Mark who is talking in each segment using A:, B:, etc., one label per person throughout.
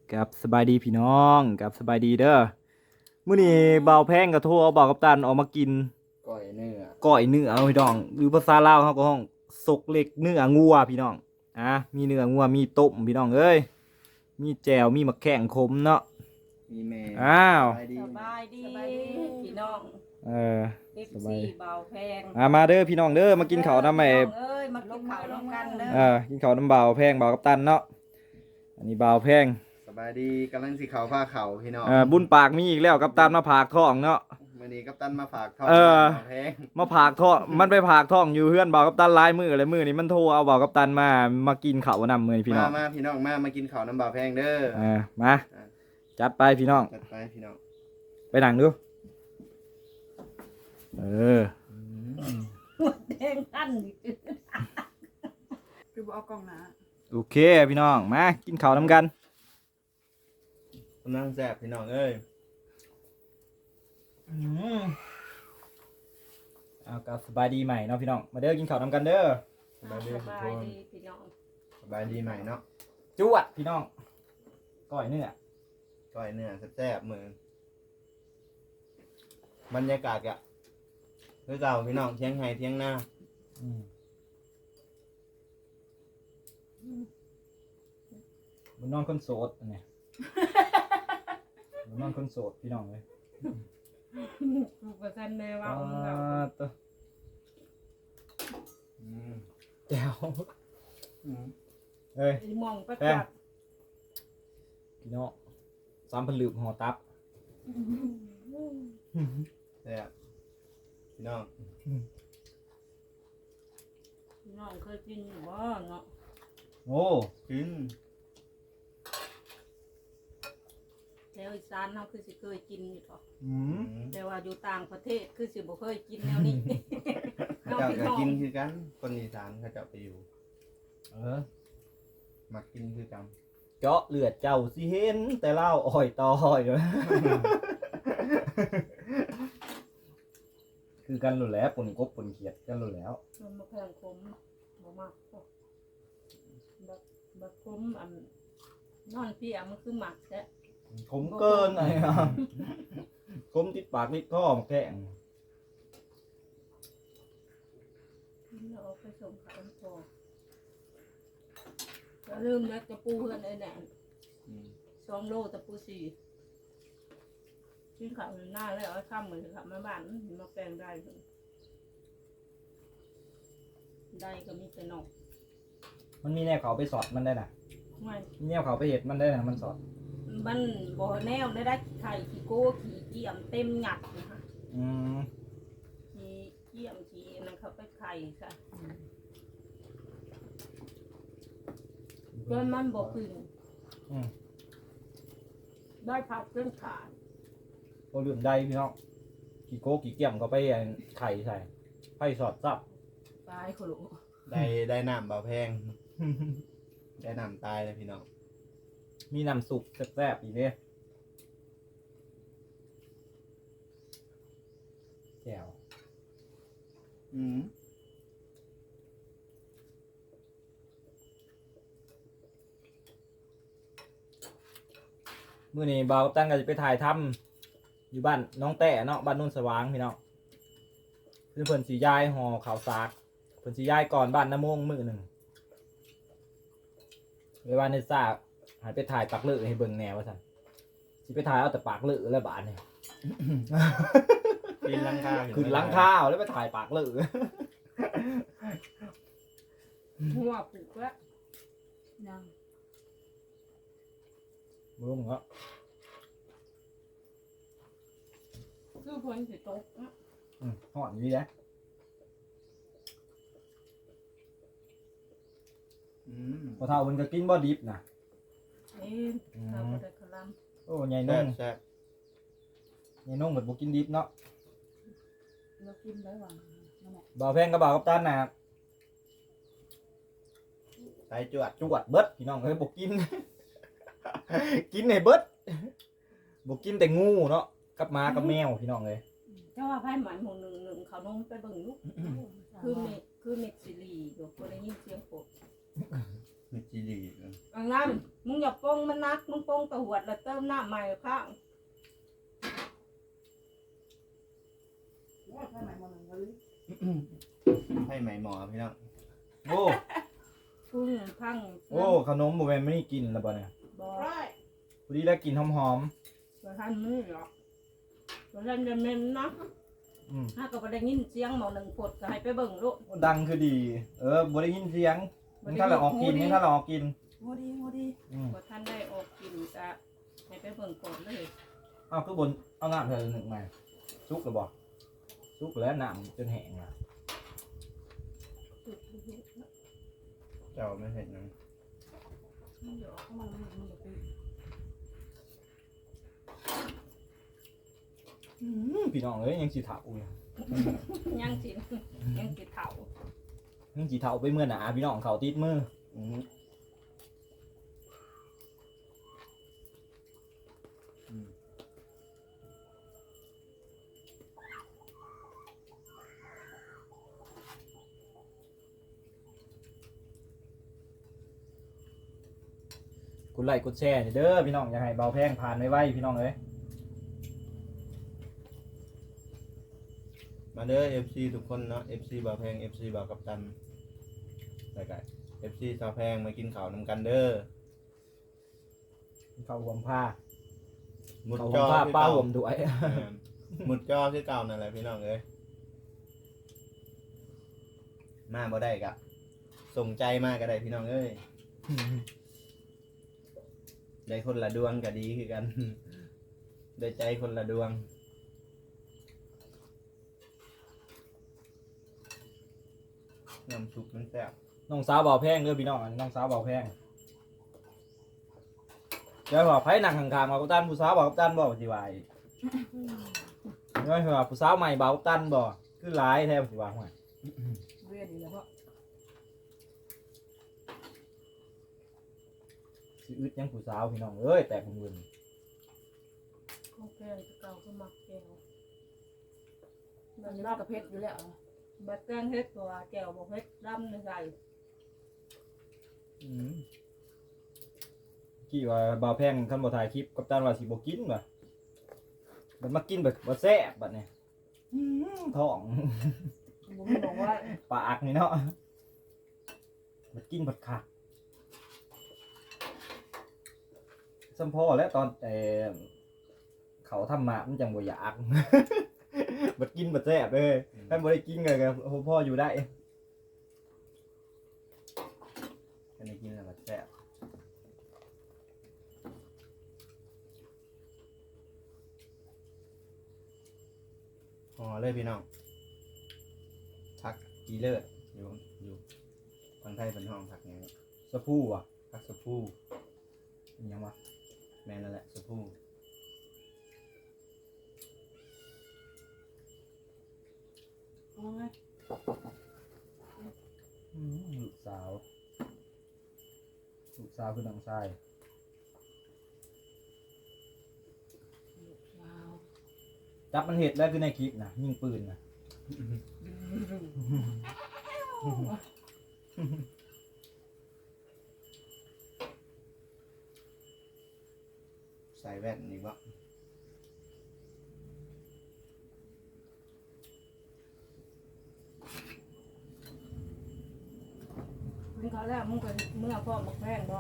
A: กับสบายดีพี่น้องกับสบายดีเด้อมื้อนี้เบาแพงกับโทรเอาเบากับตันออกมากิน
B: ก้อยเนื้อ
A: ก้อยเนื้อเอาพี่น้องหรือภาษาลาวเฮาก็ห้องซกเล็กเนื้องัวพี่น้องมีเนื้องัวมีต้มพี่น้องเอ้ยมีแจ่วมีมะแข้งขมเนาะ
B: มีแม่
A: อ้าว
B: สบายดี
C: สบายดีพี่น้อง
A: เออสบาย
C: FC เบาแพง
A: มาเด้อพี่น้องเด้อมากินข้าวนำไอ้
C: พี่น้องเอ้ยมากินข้าวร่วมกันเด้อ
A: กินข้าวน้ำเบาแพงเบากับตันเนาะอันนี้เบาแพง
B: สบายดีกำลังสิเขาผ้าเขาพี่น้อง
A: บุญปากมีอีกแล้วกับตันมาผากท้องเนาะ
B: มื้อนี้กัปตันมาฝากทอง
A: เออ
B: แพง
A: มาผากท้องมันไปผากท้องอยู่เพื่อนเบากับตันลายมืออะไรมือนี่มันโทรเอาเบากับตันมากินข้าวนำมือนี่พี่น้อง
B: มาพี่น้องมากินข้าวน้ำบ่าวแพงเด้อ
A: มาจัดไปพี่น้อง
B: จัดไปพี่น้อง
A: ไปนั่งดู
C: หมดแดงอันนี่
D: คือบ่เอากล่องหนา
A: โอเคพี่น้องมากินข้าวนำกัน
B: กำลังแซ่บพี่น้องเอ้ย
A: เอากับสบายดีใหม่เนาะพี่น้องมาเด้อกินข้าวนำกันเด้อ
B: สบายดี
C: ส
B: ทุก
C: บา
B: ค
C: ย
B: น
C: ดีพี่น้อง
B: สบายดีใหม่เนาะ
A: จวดพี่น้องก้อยเนื้อ
B: ก้อยเนื้อแซ่บๆมื้อบรรยากาศอะคือเก่าพี่น้องเที่ยงไห้เที่ยงหน้า
A: มันนอนคนโสดอันเนี่ยมันนอนคนโสดพี่น้องเลย
C: กูประชันแม่ว่าเอาเรา
A: ตัว
B: อืม
A: แจ๋ว
B: อืม
A: เอ้ย
C: มองประ
A: แป้
C: จั
A: ง
C: กษ์
A: พี่น้อง3,000 ลึกห่อตับ
B: แซ่บพี่น้อง
C: พี่น้องเคยกินอยู่บ่เนาะ
A: โอ้
B: กิน
C: แล้วอีสานเฮาคือสิเคยกินอยู่ต่อ
A: อืม
C: แต่ว่าอยู่ต่างประเทศคือสิบ่เคยกินแนวนี้
B: เขาเจ้าก็กินคือกันคนอีสานเขาเจ้าไปอยู่
A: เออ
B: มักกินคือกัน
A: เจาะเลือดเจ้าสิเห็นแต่เล่าอ้อยต่ออ้อยเลย คือกันหลุดแล้วปนกบปนเขียดกันหลุดแล้ว
C: มันบ่แพงคมบ่มากพอบักคมอันนอนพี่มันคือหมักแท้
A: ขมเกินไอ้ครับขมติดปากติดคอมาแกง
C: เราเอาไปส่งขายพออย่าลืมนะตะปูเพื่อนไอ้แหน
B: อืม
C: 2 โลตะปู4ชิ้นข้าวหน้าแล้วเอาข้ามมือขับมาบ้านมาแปลงได้ได้ก็มีแต่นอก
A: มันมีแนวเขาไปสอดมันได้น่ะ
C: ไม่
A: มีแนวเขาไปเห็ดมันได้น่ะมันสอด
C: มันบ่แนวได้ไข่ขี้โก้ขี้เกี่ยมเต็มหยัดนะคะ
A: อืม
C: ขี้เกี่ยมขี้นั่นเขาไปไข่ค่ะจนมันบ่ขึ้นได้พักเรื่องขาด
A: โอ้ลืมได้พี่น้องกี่โก้กี่เกี่ยมก็ไปไข่ใส่ไผ่สอดซับ
C: ตายขลุ
B: ได้น้ำเบาแพง ได้น้ำตายเลยพี่น้อง
A: มีน้ำสุกแซ่บๆอีกเนี่ยแจ่ว
B: อืม
A: มื้อนี้บ่าวตั้งก็จะไปถ่ายทำอยู่บ้านน้องแต่เนาะบ้านโนุ่นสว่างพี่น้องเพิ่นสิย้ายห่อข้าวสากเพิ่นสิย้ายก่อนบ้านน้ำมงมื้อหนึ่งเวลาในซากหายไปถ่ายปากเลือให้เบิ่งแหน่ว่าซั่นสิไปถ่ายเอาแต่ปากเลือแล้วบาดนี่
B: กินลังคา
A: ขึ้นหลังข้าวแล้วไปถ่ายปากเลือ
C: หัวปลูกแล้วยัง
A: บ่รู้มึงก็
C: คือพ้นสิตกนะ
A: ฮ้อนอยู่ดีนะ
B: อืม
A: พอเท่าเพิ่นก็กินบ่ดิบนะ
C: เอ๊ะเราบ่ได้คลำ
A: โอ้ใหญ่
B: แซ่
A: นุ่
B: บ
A: ง
B: แซ่บ
A: ใหญ่นุ่งเหมือนบ่กินดิบเนาะ
C: เรากินได้หวังนั่นแหละ
A: บ่าวแพงกับบ่าวกัปตันน่ะ
B: ใส่จวด
A: จวดเบิดพี่น้องเอ้ยบ่กิน กินให้เบิดบ่กินแต่งูเนาะกับหมากับแมวพี่น้องเอ้ย
C: เจ้าว่าไพ่หมายหมู่หนึ่งเขานมไปเบิ่งลูกคือเม็ดซีรีส์อยู่บ่ได้ยินเสียงโปด
B: มีจีดี
C: อันนั้นมึงอย่าปงมันนักมึงปงตะหวดแล้วเติมน้ำใหม่ข้าง
D: ว่าใช่ไหมมันก็เลย
B: ให้ไหมหมอพี่น้อง
A: โอ้
C: พุ่งพัง
A: โอ้ขนมบ่แม่นไม่ได้กินแล้วบ่เนี่ย
C: บอก
D: ได้
A: พอดีได้กินหอม
C: ว่าท่านมือหรอกว่าท่านจะเมนนะ
A: ๆอืม
C: ถ้าก็บ่ได้ยินเสียงหมอหนึ่งปดก็ให้ไปเบิ่งลูก
A: ดังคือดี บ่ได้ยินเสียงนี่ถ้าเราออกกินนี่ถ้าเราออกกิน
D: โมดีโมดี
A: อืม
C: ว่าท่านได้ออกกินจะให้ไปเบิ่งก่อนเลย
A: เอาคือบนเอาน้ำเธอหนึ่งมาซุกหรือบ่ซุกแล้วน้ำจนแห้งอ่ะ
B: เจ้าไม่เห็นนะ
D: เดี๋ยวเข้ามามันจะเป็น
A: พี่น้องเอ้ยยังสิเฒ่าอยู่
C: ยังสิยังสิเฒ่า
A: ยังสิเฒ่าไปเมื่อหนาพี่น้องเขาติดมือ
B: อืมอืม
A: กดไลค์กดแชร์เด้อพี่น้องอยากให้เบาแพงผ่านไวๆพี่น้องเอ้ย
B: มาเด้อ FC ทุกคนเนาะ FC บ่าวแพง FC บ่าวกัปตันแล้วก็ FC สาวแพงมากินข้าวนำกันเด้อ
A: เขาห่วมผ้า
B: หมุด
A: เขา
B: จ
A: ห่ว
B: อ
A: มผ้า
B: คือ
A: ป้า
B: เก่า
A: ห่วมด้วย
B: หมุดจอคือเก่านั่นแหละพี่น้องเอ้ยมาบ่ได้กะส่งใจมากก็ได้พี่น้องเอ้ยได้คนละดวงก็ดีคือกัน ได้ใจคนละดวงน้ำซุปมันแซ่บ
A: น้องสาวเบาแพงเด้อพี่น้องอันนี้น้องสาวเบาแพงเดี๋ยวบอกไผนั่งข้างๆมากับตันผู้สาวบอกกับตันบ่สิว่าอีกน้อยว่าผู้สาวใหม่เบากับตันบ่คือหลายแท้สิว่าห่วย
D: เรียนอีกแล้วเพราะ
A: สิอึดยังผู้สาวพี่น้องเอ้ยแต่คนอื่น
C: ของแพงเก่าก็มักแก้ว
D: มันจะรับกับเพชรอยู่แล้ว
C: บัดแกงเฮ็ดตัวแก้วบ่เฮ็ดดำในใส่
A: กี่ว่าเบาแพงคันบ่ถ่ายคลิปกับตันว่าสิบ่กินบ่มันมากินแบบบ่แซ่บบัดนี้ท้อง
D: ผมบอกว่า
A: ปากนี่เนาะมันกินบัดคักสัมพ่อแล้วตอนเขาทำมามันจังบ่อยาก บัดกินบัดแซ่บเลยท่านบ่ได้กินก็พ่ออยู่ได้
B: อันนี้กินแล้วมันแซ่บห่อเลยพี่น้องผักกีเลิศอยู่ทางไทยเป็นห้องผักอย่างนี้
A: สะพูว่ะ
B: ผักสะพู
A: อิหยังวะ
B: แม่นั่นแหละสะพู
D: เอาไง
A: ลูกสาวคือน้องชาย
D: ว้าว
A: จับมันเห็ดแล้วคือในคลิปนะยิงปืนนะ
B: ใส่แว่นอีกวะ
C: มึงเขาแล้วมึงไปเมื่อพ่อมักแพงบ่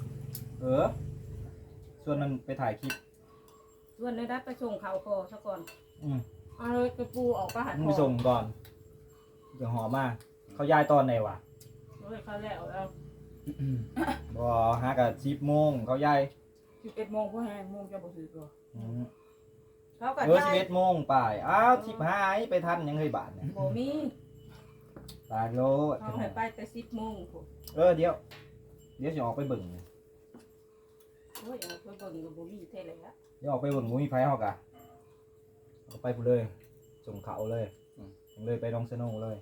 A: ส่วนมันไปถ่ายคลิป
C: ส่วนได้ไปส่งเขาคอซะก่อน
A: อืม
C: เอาเลยไปปูออกไปหา
A: มึง
C: พ่
A: ไป
C: อ
A: ส่งก่อนเดี๋ยวหอมากเขาย้ายตอนไหนวะ
C: เลยเขาแล้วแล้ว
A: บ่หากับ10 โมงเขาย้าย
D: 11 โมงพ่อแห้งโมงจะบ่ถือตัว
C: เขาก็
A: 11 โมงไปอ้าว15ไปทันยังเคยบาทเนี่ย
C: บ่มี
A: ตายโล
C: เขาให้ไปแต่10 โมงพุ่น
A: เดี๋ยวจะออกไปเบิ่ง
C: โอ้ยเอาไปเบิ่งก็บ่มีเท่าไหร่ละ
A: เดี๋ยวออกไปเบิ่งหมูมีไฟเฮากะเอาไปพูดเลยส่งเขาเลยเลยไปดองสโนว์เลย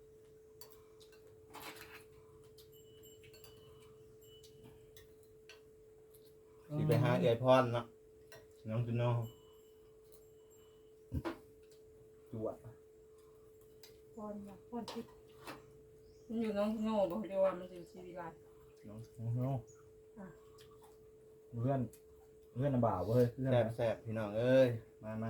B: สิไปหาเอือยพรเนาะน้องจุโน่
A: จวด
C: พอนคิดมันอยู่น้องโง่บ่เดียวว่ามันสิชีวิตไร
B: เนาะ
A: โอ้โหเพื่อนลำบากเว้ยเพื่อน
B: แซ่บพี่น้องเอ้ยมา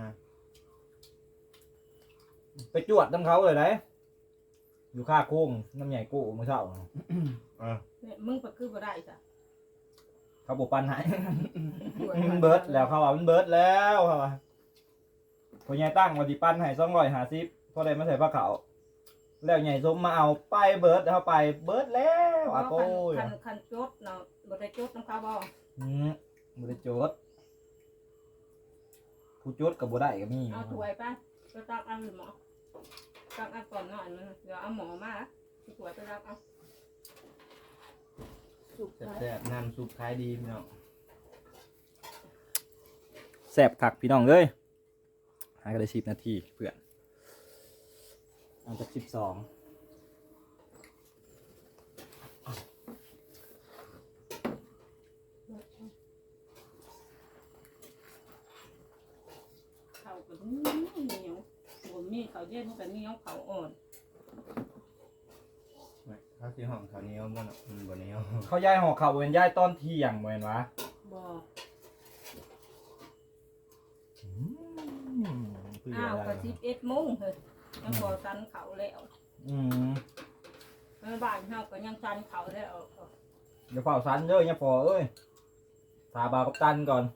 A: ไปจวดน้ำเขาเลยนะอยู่ข้าโค้งน้ำใหญ่กู้เมื่อเช้า
C: เนี่ยมึงไปคือบ่ได้จ้ะ
A: เขาบอกปันให้ มันเบิร์ดแล้วเขาว่ามันเบิร์ดแล้วเขาว่าพอใหญ่ตั้งวันที่ปั้นให้250พอได้มาใส่ผ้าขาวแล้วใหญ่สมมาเอาไปเบิร์ดเข้าไปเบิร์ดแล้วอาโก้ย
C: คันจดเนาะบ่ได้จดน้ำเขาบ่
A: บ่ได้โจทย์ผู้โจทย์กับบ่ได้ก็มี
C: เอาถ้วยไปไปตักเอาหมอตักเอาก่อนหน่อยนึงเดี๋ยวเอาหมอมาสิถ้วยไปตักเอา
D: สุก
B: แซ่บน้ำซุปขายดีพี่น้อง
A: แซ่บคักพี่น้องเอ้ยหาก็ได้10 นาทีเพื่อนเอาจาก12
C: เขาก็เหนียวบ่มีเขาเย็นก็เหนียวเขาอ่อน
B: ข้าวสีหอมข้าวเหนียวบ่เนาะบ่เหนียว
A: เขาย้ายห่อข้าวเว้นย้ายตอนเที่ยงบ่แม่นวะ
C: บ่
A: เพื่อ
C: อ้าว
A: อะไร
C: ก็11 โมงเฮ้ยยังบ่ทันเขาแล้ว ในบ้านเฮาก็ยังทันเขาแล้ว
A: เดี๋ยวเฝ้าสันเด้อเนี่ยพอเอ้ยถาบาวกับตันก่อน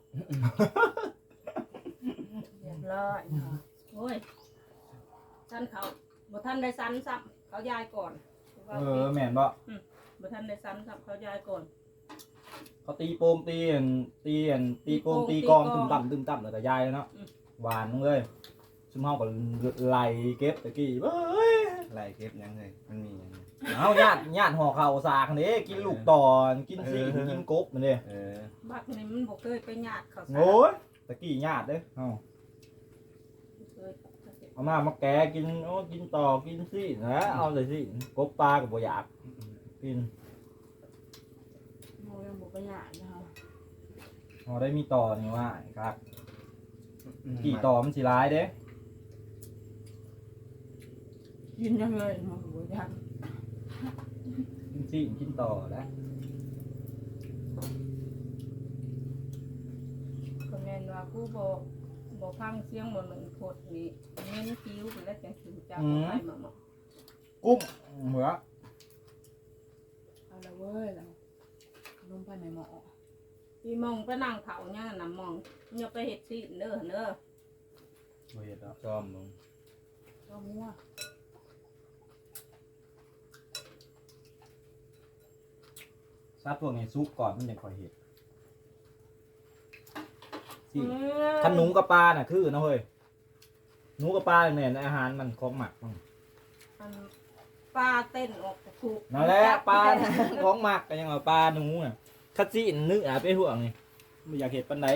C: เรียบร้อยโอ้ยทันเขาบ่ทันได้สันซ้ำเขายายก่อน
A: แม่นบ่
C: บ่ทันได้สันซ้ำเขายายก่อน
A: เขาตีโปมตีอันตีโปมตีกองตึมต่ำแล้วก็ยายแล้วเนาะหวานเลยซุมเฮาก็ไล่เก็บตะกี้เบ้ย
B: ไล่เก็บยังเลยมันมียัง
A: เอาญาติห่อข้าวสากนี่กินลูกตอนกินซีกินกบมันเด้
C: บักนี่มันบ่เคยไปญาติเขาซะ
A: โอ้ยตะกี้ญาติเด้เอา
C: เคย
A: เอามาแกะกินโอ้กินต่อกินซีนะเอาเลยสิกบปลาก็บ่อยากกิน
D: โมยังบอกไปหยาดนะคะ
A: พอได้มีต่อนี่ว่าครับกี่ต่อมันสิร้ายเด้
D: กินยังเลยมาหัวยัน
A: กินซีกินต่อแล้ว
C: ก็แม่นว่ากูบ่ฟังเสียงบ่หนึ่งโคตรนี่เน้นคิ้วไปแล้วจังสิจับให้มาหมอ
A: กุ้งเหมือ
D: เอาละเว้ยแล้วลงไปในหม้อ
C: พี่มองไปนั่งเผาเนี่ยน่ะมองอย่าไปเฮ็ดสิเด้อเด้อ
A: บ่เฮ็ดดอก
B: ซ้อมลง
D: ก็มั่ว
A: ซาพวกนี้ซุปก่อนมันยังค่อยเฮ็ดสิคันหนูกับปลาน่ะคือนะเฮ้ยหนูกับปลาเนี่ยอาหารมันของหมักมัน
C: ปลาเต้นออกถูก
A: นั่นแหละปลา ของหมักก็ยังว่าปลาหนูน่ะคัดซีนนึกไปห่วงนี่บ่อยากเฮ็ดปานใด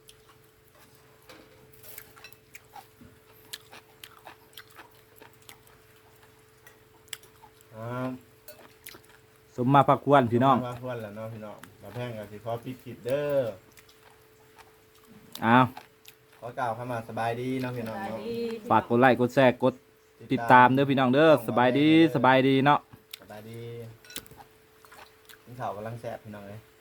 A: สมมาพักควรพี่น้อง
B: มาควรแล้วเนาะพี่น้องมาแพงกับสิขอปิดคลิปเด้อ
A: อ้าว
B: ขอกล่าวเข้ามาสบายดีเนาะพี่น้องเนาะ
A: ฝากกดไลค์กดแชร์กดติดตามเด้อพี่น้องเด้อสบายดีเนาะ
B: สบายดีกินข้าวกำลังแซ่บพี่น้องเลย